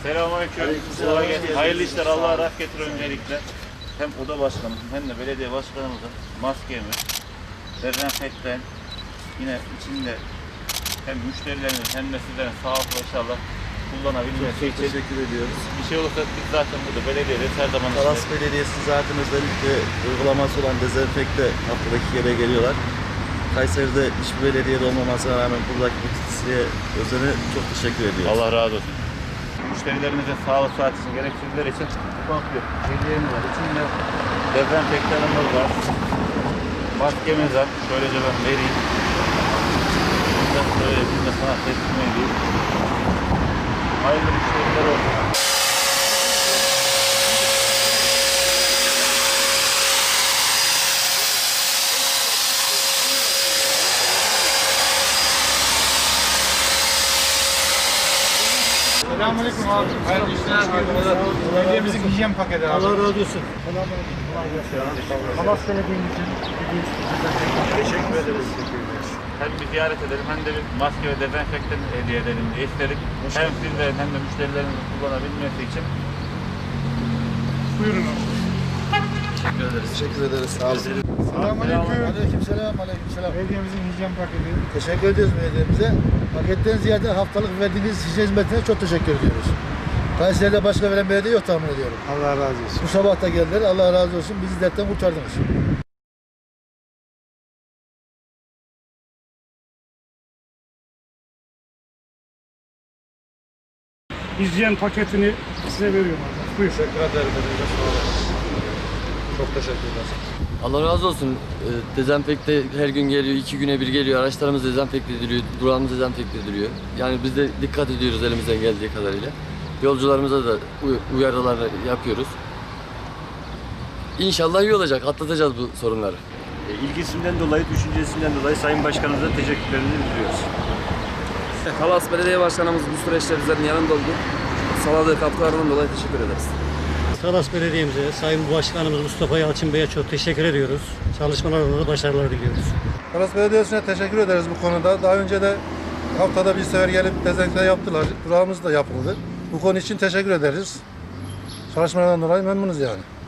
Selamünaleyküm. Kolay gelsin. Hayırlı işler. Allah'a rahmet getir öncelikle. Hem oda başkanımızın hem de belediye başkanımızın maskemiz, dezenfektan yine içinde hem müşterilerin hem de sizlerin sağlıklı inşallah kullanabilmesi için Teşekkür ediyoruz. bir şey olursa biz zaten burada belediyede her zaman Talas Belediyesi zaten özellikle uygulaması olan dezenfekte haftada 2 kere geliyorlar. Kayseri'de hiçbir belediyede olmamasına rağmen buradaki bu titizliğe özene çok teşekkür ediyoruz. Allah razı olsun. Müşterilerimizin sağlık saat için gereksinimler için ufak bir hediyemiz var. İçinde dezenfektanımız var. Maskemiz var. Şöylece ben vereyim. Şöyle bir de sana teslim edeyim. Hayırlı müşteriler olsun. Selamünaleyküm abi. Hayırlı işler. Belediyemizin hijyen paketi abi. Allah razı olsun. Selamünaleyküm. Kolay gelsin. Talas Belediye'mizin Teşekkür ederiz. Hem bir ziyaret edelim hem de bir maske ve dezenfektan hediye edelim diye istedik. Hem sizlerin hem de müşterilerimizin kullanabilmesi için. Buyurun abi. Teşekkür ederiz. Teşekkür ederiz. Sağ olun. Selamünaleyküm. Aleykümselam, aleykümselam. Belediyemizin hijyen paketi. Teşekkür ediyoruz belediyemize. Paketten ziyade haftalık verdiğiniz hijyen hizmetine çok teşekkür ediyoruz. Kayseri'de başka veren belediye yok tahmin ediyorum. Allah razı olsun. Bu sabah da geldiler. Allah razı olsun. Bizi dertten kurtardınız. Hijyen paketini size veriyorum abi. Buyur. Teşekkür ederim. Çok teşekkürler. Allah razı olsun. Dezenfekte her gün geliyor, 2 güne bir geliyor. Araçlarımız dezenfekte ediliyor, durağımız dezenfekte ediliyor. Yani biz de dikkat ediyoruz elimizden geldiği kadarıyla. Yolcularımıza da uyarılar yapıyoruz. İnşallah iyi olacak, atlatacağız bu sorunları. İlgisinden dolayı, düşüncesinden dolayı Sayın Başkanımıza teşekkürlerimizi bildiriyoruz. Talas Belediye Başkanımız bu süreçte bizlerin yanında oldu. Sağladığı katkılarından dolayı teşekkür ederiz. Talas Belediye'mize, Sayın Başkanımız Mustafa Yalçın Bey'e çok teşekkür ediyoruz. Çalışmalarında da başarılar diliyoruz. Talas Belediyesi'ne teşekkür ederiz bu konuda. Daha önce de haftada bir sefer gelip dezenfekte yaptılar. Durağımız da yapıldı. Bu konu için teşekkür ederiz. Çalışmalardan dolayı memnunuz yani.